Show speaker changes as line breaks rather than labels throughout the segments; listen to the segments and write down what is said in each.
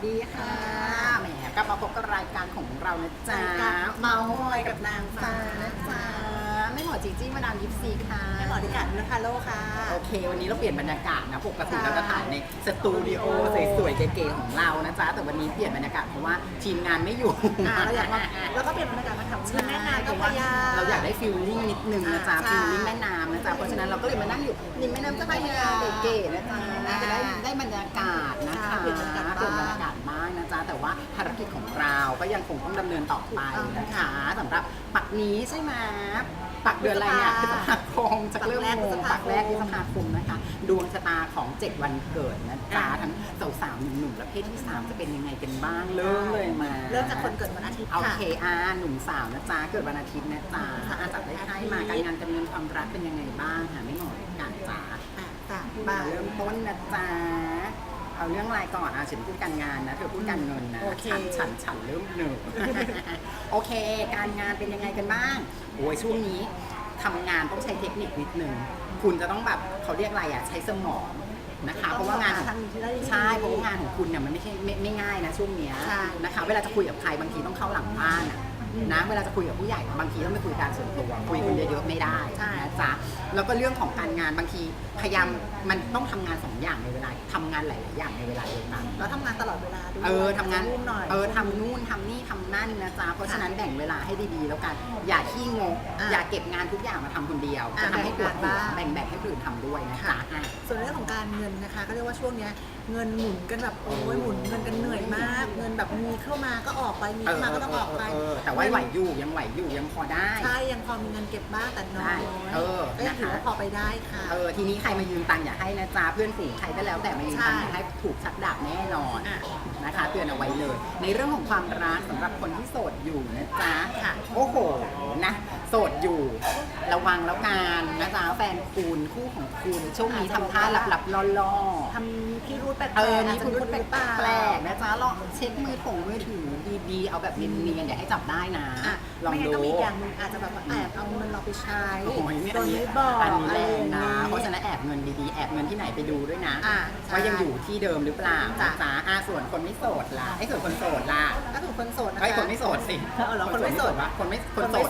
ดีค่ะแหมกลับมาพบกับรายการของเรานะจ๊ะเมาส์มอยกับนางฟ้านะจ๊ะไม่หมอจีจี้มาดามยิปซีค่ะ
ไม่หมอดิกัดนุชคาโลค่ะ
โอเควันนี้เราเปลี่ยนบรรยากาศนะปกติเราจะถ่ายในสตูดิโอสวยๆเก๋ๆของเรานะจ๊ะแต่วันนี้เปลี่ยนบรรยากาศเพราะว่าทีมงานไม่อยู่
เราอยากมาแล้วก็เปลี่ยนบรรยากาศมาทำริมแม่น้ำเจ้าพระยา
เราอยากได้ฟิลลิ่งนิดนึงนะจ๊ะฟิลลิ่งแม่น้ำนะจ๊ะเพราะฉะนั้นเราก็เลยมานั่งอยู่ริมแม่น้ำเจ้าพระยาเก๋ๆนะจ๊ะจะได้บรรยากาศนะคะเปลี่ยนบรรยากาศบ้างนะจ๊ะแต่ว่าภารกิจของเราก็ยังคงต้องดำเนินต่อไปนะคะสำหรับปักนี้ใช่ไหมปักเดือนอะไรเนี่ยพฤษภาคมจะเริ่มงงปักแรกพฤษภาคมนะคะดวงชะตาของ7วันเกิดนะจ๊ะทั้งสาวๆหนุ่มๆและเพศที่3จะเป็นยังไงกันบ้างเริ่มเลยมา
เริ่มจากคนเกิดวันอาทิตย์
โอเคหนุ่มสาวนะจ๊ะเกิดวันอาทิตย์นะจ๊ะจับได้ไพ่มาการงานการเงินความรักเป็นยังไงบ้างค่ะไม่หมดการจ๊ะเริ่มต้นนะจ๊ะเอาเรื่องอะไรก่อนฉันพูดการงานนะเธอพูดการเงินนะฉันเริ่มหนึ่งโอเคการงานเป็นยังไงกันบ้างโอ้ยช่วงนี้ทำงานต้องใช้เทคนิคนิดนึงคุณจะต้องแบบเขาเรียกอะไรใช้สมองนะคะเพราะว่างานใช่เพราะว่างานของคุณเนี่ยมันไม่ใช่ไม่ง่ายนะช่วงนี้นะคะเวลาจะคุยกับใครบางทีต้องเข้าหลังบ้านนะเวลาจะคุยกับผู้ใหญ่บางทีต้องไปคุยการส่วนตัวคุยคนเยอะๆไม่ได้นะจ๊ะแล้วก็เรื่องของการงานบางทีพยายามมันต้องทำงาน2อย่างในเวลาทำงานหลายๆอย่างในเวลาเดียวกัน
แล้วทำงานตลอดเวลาด้วย
ทำงานทำนู่นทำนี่ทำนั่นนะจ๊ะเพราะฉะนั้นแบ่งเวลาให้ดีๆแล้วกันอย่าขี้งกอย่าเก็บงานทุกอย่างมาทำคนเดียวจะทำให้ปวดหัวแบ่งให้คนอื่นทำด้วยนะจ๊ะ
ส่วนเรื่องของการเงินนะคะก็เรียกว่าช่วงนี้เงินหมุนกันแบบโอ้ยหมุนเงินกันเหนื่อยมากเงินแบบมีเข้ามาก็ออกไปมีเข้ามาก็ต้องออกไป
แต่ว่าไหวอยู่ยังพอได้
ใช่ยังพอมีเงินเก็บบ้างแต่น้อยก็ยังถือว่าพอไปได้ค่ะ
ทีนี้ใครมายืมตังค์อย่าให้นะจ๊ะเพื่อนฝูงใครก็แล้วแต่มายืมตังค์อย่าให้ถูกชักดาบแน่นอนนะคะเตือนเอาไว้เลยในเรื่องของความรักสำหรับคนที่โสดอยู่นะจ๊ะโอ้โหนะโสดอยู่ระวังแล้วกันนะจ๊ะแฟนคุณคู่ของคุณช่วงนี้ทำท่าหลับๆล่อ
ๆทำพิรุธแปลกๆ
มีพิรุธแปลกๆนะจ๊ะลองเช็คมือถือดีๆเอาแบบเนียนๆอย่าให้จับได้นะ
ลองดูไม่งั้นก็มีอย่างนึงอาจจะแบบแอบเอาเงินเราไปใช้โดยไม่บอก
อันนี้แรงนะเพราะฉะนั้นแอบเงินดีๆแอบเงินที่ไหนไปดูด้วยนะว่ายังอยู่ที่เดิมหรือเปล่าจ๊ะส่วนคนไม่โสดล่ะส่วนคนโสดล่ะ
ก็ถูกคนโสด
นะคะคนไม่โสดสิ
คนไม่โสด
วะคนโสด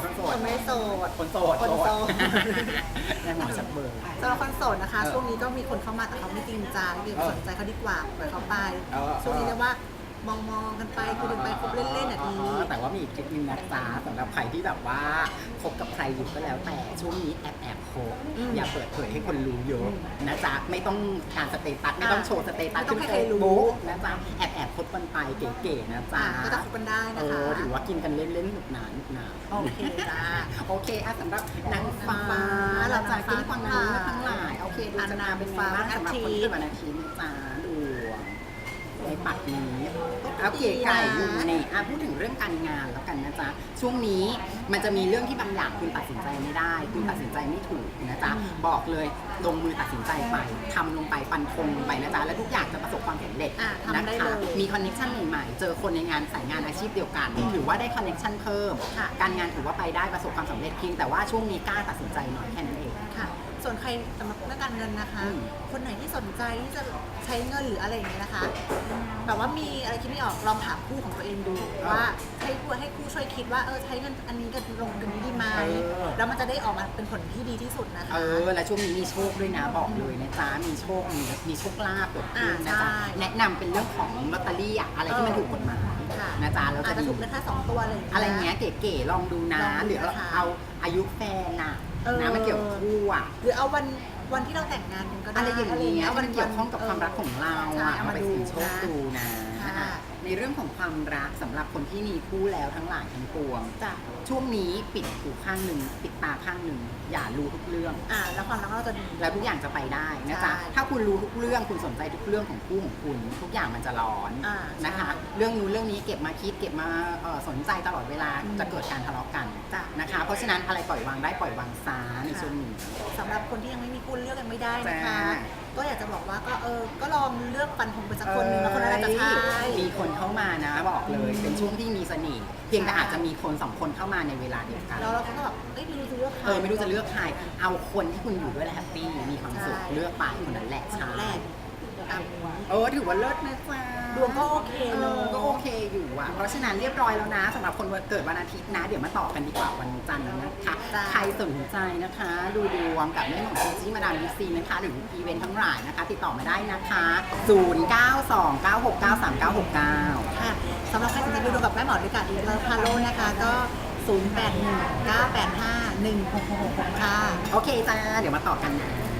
ยังหมอชักเบอร์
สำหรับคนโสดนะคะช่วงนี้ก็มีคนเข้ามาแต่เขาไม่จริงจังเดี๋ยวสนใจเขาดีกว่าปล่อยเขาไปช่วงนี้เรียกว่ามองกันไปคุยกันไปคบเล่นๆดี
แต่ว่ามีอีกคลิปนึงนะจ๊ะสำหรับใครที่แบบว่าคบกับใครอยู่ก็แล้วแต่ช่วงนี้แอบคบอย่าเปิดเผยให้คนรู้เยอะนะจ๊ะไม่ต้องการสเตตัสไม่ต้องโชว์สเตตัสขึ้นเฟซบุ๊กนะจ๊ะแอบคบกันไปเก๋ๆนะจ๊ะ
ก็จะคบกันได้นะคะ
ถือว่ากินกันเล่นๆหนุกหนาน
โอเคจ้า
โอเคสำหรับนางฟ้าเราจะกินฟังนางทั้งหลายโอเคดูจะนาเป็นฟ้าสำหรับคนที่เกิดวันอาทิตย์นะจ๊ะดูในปัดนี้เอาเก๋ไก่อยู่นี่พูดถึงเรื่องการงานแล้วกันนะจ๊ะช่วงนี้มันจะมีเรื่องที่บางอย่างคุณตัดสินใจไม่ได้คุณตัดสินใจไม่ถูกนะจ๊ะบอกเลยลงมือตัดสินใจไปทำลงไปฟันธงไปนะจ๊ะและทุกอย่างจะประสบความสำเร็จนะคะมีคอนเนคชั่นใหม่ๆเจอคนในงานสายงานอาชีพเดียวกันถือว่าได้คอนเนคชั่นเพิ่มการงานถือว่าไปได้ประสบความสำเร็จเพียงแต่ว่าช่วงนี้กล้าตัดสินใจหน่อยแค่นั้นเอง
ค่ะส่วนใครสำหรับเรื่องการเงินนะคะคนไหนที่สนใจที่จะใช้เงินหรืออะไรอย่างนี้นะคะแบบว่ามีอะไรคิดไม่ออกลองถามคู่ของตัวเองดูว่าให้คู่ช่วยคิดว่าใช้เงินอันนี้กับลงกันนี้ดีไหมแล้วมันจะได้ออกมาเป็นผลที่ดีที่สุดนะคะ
และช่วงนี้มีโชคด้วยนะบอกเลยนะจ๊ะมีโชคลาภเกิดขึ้นนะจ๊ะแนะนำเป็นเรื่องของลอตเตอรี่อะไรที่มันถูกกฎหมายนะจ๊ะเรา
จะถูกแค่2ตัว
อะไรเงี้ยเก๋ๆลองดูนะหรือเอาอายุแฟนนะมันเกี่ยวกับคู่
หรือเอาวันที่เราแต่งงานกันก็ได้
อะไรอย่างเงี้ยมันเกี่ยวข้องกับความรักของเราเอาไปเสี่ยงโชคดูนะในเรื่องของความรักสำหรับคนที่มีคู่แล้วทั้งหลายทั้งปวงช่วงนี้ปิดหูข้างหนึ่งปิดตาข้างหนึ่งอย่ารู้ทุกเรื่อง
แล้วความรักเราจะดี
แล้วทุกอย่างจะไปได้นะจ๊ะถ้าคุณรู้ทุกเรื่องคุณสนใจทุกเรื่องของคู่ของคุณทุกอย่างมันจะร้อนนะคะเรื่องนู้นเรื่องนี้เก็บมาคิดเก็บมาสนใจตลอดเวลาจะเกิดการทะเลาะกันนะคะเพราะฉะนั้นอะไรปล่อยวางได้ปล่อยวางซะในช่วงนี้
สำหรับคนที่ยังไม่มีคู่เลือกยังไม่ได้นะคะก็อยากจะบอกว่าก็ลองเลือกฟันธงไปสักคนหนึ่งแล้วคนนั้นจะใช่
มีคนเข้ามานะบอกเลยเป็นช่วงที่มีเสน่ห์เพียงแต่อาจจะมีคน2คนเข้ามาในเวลาเดียวกัน
แล้วเราก็แบบไม่รู้จะเลือกใคร
ไม่รู้จะเลือกใครเอาคนที่คุณอยู่ด้วยแล้วแฮปปี้มีความสุขเลือกไปคนนั้นแหละใช่
ตามนี้
ถือว่าเลิศนะจ๊ะ
ดวงก็โอเคเลย
ก็โอเคอยู่อ่ะ เพราะฉะนั้นเรียบร้อยแล้วนะสำหรับคนเกิดวันอาทิตย์นะ เดี๋ยวมาต่อกันดีกว่าวันจันทร์นะคะ ใครสนใจนะคะ ดูดวงกับแม่หมอจีจี้มาดามดิซีนะคะ หรืออีเวนต์ทั้งหลายนะคะ ติดต่อมาได้นะคะ 0929693969
ค่ะสำหรับใครสนใจดูดวงกับแม่หมอด้วยกันอีกแล้วพาโลนะคะ ก็ 0819851666 ค่ะ
โอเคจ้า เดี๋ยวมาต่อกันนะ